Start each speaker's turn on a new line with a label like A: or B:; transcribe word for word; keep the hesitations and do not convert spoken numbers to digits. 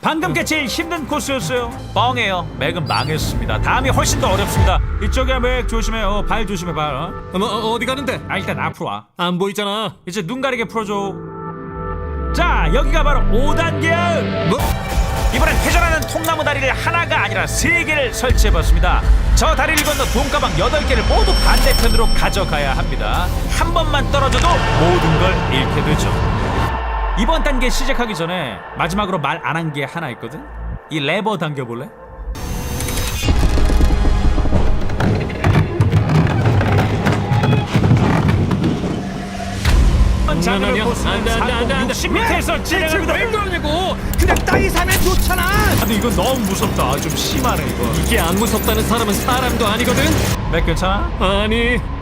A: 방금 게 제일 힘든 코스였어요. 뻥이에요. 맥은 망했습니다. 다음이 훨씬 더 어렵습니다. 이쪽이야 맥 조심해요. 발 조심해 발. 어?
B: 뭐, 어디 가는데?
A: 아 일단 앞으로 와.
B: 안 보이잖아.
A: 이제 눈 가리게 풀어줘. 자 여기가 바로 오 단계야.
B: 뭐?
A: 이번엔 회전하는 통나무 다리를 하나가 아니라 세 개를 설치해봤습니다. 저 다리를 건너 돈가방 여덟 개를 모두 반대편으로 가져가야 합니다. 한 번만 떨어져도 모든 걸 잃게 되죠. 이번 단계 시작하기 전에 마지막으로 말 안 한 게 하나 있거든. 이 레버 당겨볼래?
B: 아니야, 아니야. 안 돼, 안 돼, 안 돼, 안 돼.
A: 육십 미터에서 진행합니다.
B: 왜 그러냐고. 그냥 땅이 사면 좋잖아.
A: 근데 이건 너무 무섭다. 좀 심하네 이거.
B: 이게 안 무섭다는 사람은 사람도 아니거든.
A: 맥 괜찮아?
B: 아니